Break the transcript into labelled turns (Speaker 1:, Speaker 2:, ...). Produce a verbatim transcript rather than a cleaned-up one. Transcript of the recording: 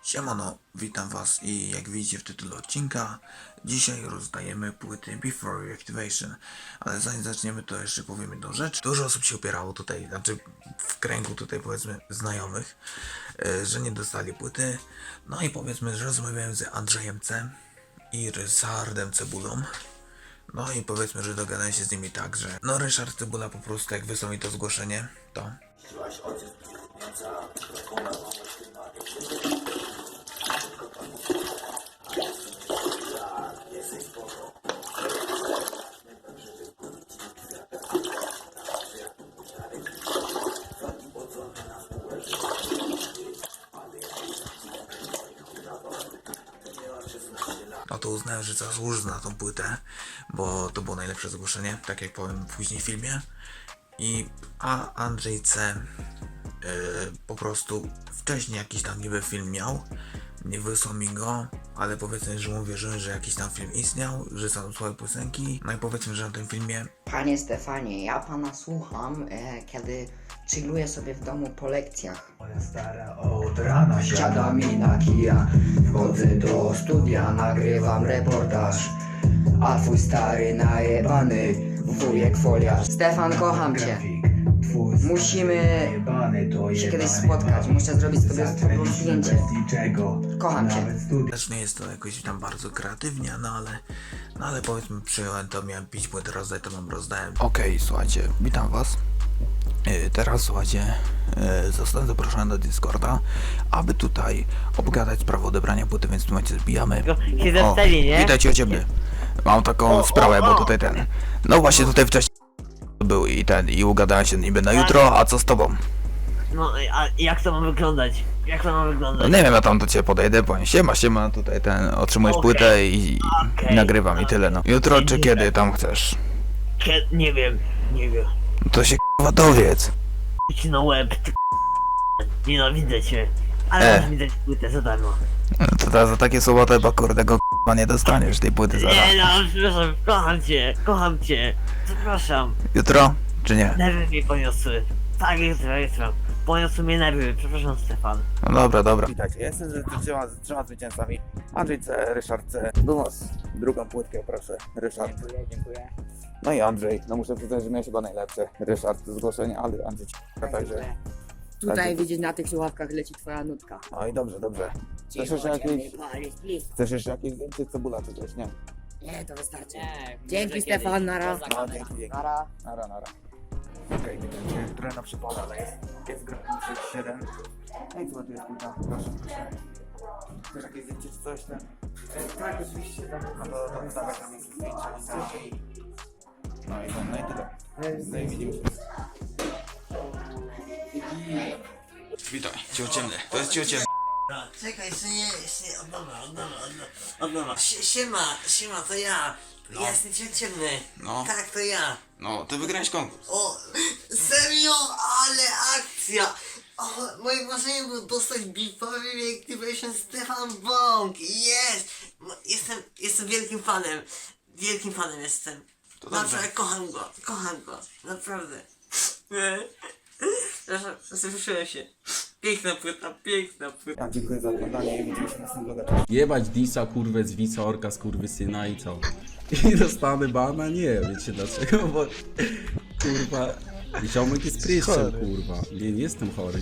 Speaker 1: Siemano, witam was i jak widzicie w tytule odcinka, dzisiaj rozdajemy płyty Before Reactivation. Ale zanim zaczniemy, to jeszcze powiem jedną rzecz. Dużo osób się upierało tutaj, znaczy w kręgu tutaj powiedzmy znajomych, e, że nie dostali płyty. No i powiedzmy, że rozmawiałem z Andrzejem C. i Ryszardem Cebulą. No i powiedzmy, że dogadałem się z nimi tak, że no Ryszard Cebula po prostu jak wysłał mi to zgłoszenie, to no to uznałem, że zasłużę na tą płytę, bo to było najlepsze zgłoszenie, tak jak powiem później w filmie. I a Andrzej C. Yy, po prostu wcześniej jakiś tam niby film miał, nie wysłał mi go, ale powiedzmy, że mu wierzyłem, że jakiś tam film istniał, że są słabe piosenki. No i powiedzmy, że na tym filmie...
Speaker 2: Panie Stefanie, ja pana słucham, e, kiedy chilluję sobie w domu po lekcjach.
Speaker 3: Moja stara od rana siada mi na kija. Wchodzę do studia, nagrywam reportaż. A twój stary najebany wujek foliarz.
Speaker 2: Stefan, kocham cię.
Speaker 3: Grafik, twój stary
Speaker 2: Musimy
Speaker 3: najebany to
Speaker 2: się kiedyś
Speaker 3: jebany
Speaker 2: spotkać.
Speaker 3: bawi.
Speaker 2: Muszę zrobić sobie z tobą
Speaker 3: Zatręci
Speaker 2: zdjęcie.
Speaker 3: bez niczego.
Speaker 2: Kocham cię.
Speaker 3: Nawet studia.
Speaker 1: Też nie jest to jakoś tam bardzo kreatywnie, no ale, no ale powiedzmy przyjąłem to, miałem pić płytę rozdać, to wam rozdałem. Okej, okay, słuchajcie, witam was. Yy, teraz słuchajcie, yy, zostałem zaproszony do Discorda, aby tutaj obgadać sprawę odebrania płyty, więc w tym momencie zbijamy.
Speaker 4: Się zastali, nie?
Speaker 1: Witajcie u ciebie. Mam taką
Speaker 4: O,
Speaker 1: sprawę,
Speaker 4: o,
Speaker 1: bo
Speaker 4: o.
Speaker 1: tutaj ten. No właśnie tutaj wcześniej był i ten, i ugadałem się niby na jutro, a co z tobą?
Speaker 4: No, a jak to ma wyglądać? Jak to ma
Speaker 1: No
Speaker 4: wyglądać?
Speaker 1: nie wiem, ja tam do ciebie podejdę, powiem siema, siema, tutaj ten, otrzymujesz
Speaker 4: Okej.
Speaker 1: płytę i, i
Speaker 4: Okej.
Speaker 1: nagrywam i tyle, no. Jutro czy
Speaker 4: Nie,
Speaker 1: kiedy tam chcesz?
Speaker 4: Kie- nie wiem, nie wiem.
Speaker 1: No to się k***a dowiedz.
Speaker 4: Idź na łeb, ty nienawidzę cię. Ale
Speaker 1: E.
Speaker 4: masz mi dać płytę za darmo.
Speaker 1: No to ta, za takie słowa to chyba kurde go k***a nie dostaniesz tej płyty zaraz.
Speaker 4: Nie no, przepraszam, kocham cię, kocham cię. Przepraszam,
Speaker 1: Jutro? Czy nie?
Speaker 4: nerwy mnie poniosły. Tak, jutro, jutro. Poniosły mnie nerwy, przepraszam Stefan.
Speaker 1: No dobra, dobra. Witajcie, jestem z trzema, z trzema zwycięzcami. Andrzej C, Ryszard C. Do was drugą płytkę, proszę. Ryszard.
Speaker 2: Dziękuję, dziękuję.
Speaker 1: No i Andrzej, no muszę przyznać, że miałeś chyba najlepsze. Ryszard, zgłoszenie, ale Andrzej ci także.
Speaker 5: Tutaj
Speaker 1: Także-
Speaker 5: widzisz, na tych słuchawkach leci twoja nutka.
Speaker 1: No i dobrze, dobrze. Chcesz
Speaker 5: Cicho,
Speaker 1: jeszcze jakieś,
Speaker 5: ciemny palisz, please.
Speaker 1: chcesz jeszcze jakieś więcej cebula czy coś, nie?
Speaker 5: Nie, to wystarczy. Dzięki Stefan, nara.
Speaker 1: No dzięki, dzięki.
Speaker 5: Nara.
Speaker 1: Nara, nara. Okej, okay, widzę, trochę na przypale, ale jest, jest gra sześć siedem. No i co tu jest płyta? Proszę, proszę. Chcesz jakieś zdjęcie czy coś ten? Tak, oczywiście. No to, to wystawek nam jest zdjęcia i no i to, no i tyle. No i widzimy się. Witaj, ciociemny. To jest ciociemny.
Speaker 4: Czekaj, jeszcze nie, jeszcze nie, od nowa, od nowa, od nowa, od nowa. Sie- Siema, siema, to ja.
Speaker 1: No.
Speaker 4: Ja jestem ciemny.
Speaker 1: No.
Speaker 4: Tak, to ja.
Speaker 1: No, ty wygrałeś konkurs.
Speaker 4: O, serio, ale akcja! O, moim marzeniem było dostać Before Reactivation Stefan Bąk. Jest! No, Jestem, jestem wielkim fanem. Wielkim fanem jestem.
Speaker 1: To dobrze.
Speaker 4: Naprawdę, kocham go, kocham go. Naprawdę. Przepraszam, zruszyłem się. Piękna płyta, piękna płyta.
Speaker 1: Ja dziękuję za oglądanie i widzimy się w następnym vlogu.
Speaker 6: Jebać Disa, kurwę, z Wica, Orka, skurwysyna i co? I dostanę bana? Nie, wiecie dlaczego? Bo kurwa, ziomek jest pryszczem, kurwa. Nie, nie jestem chory.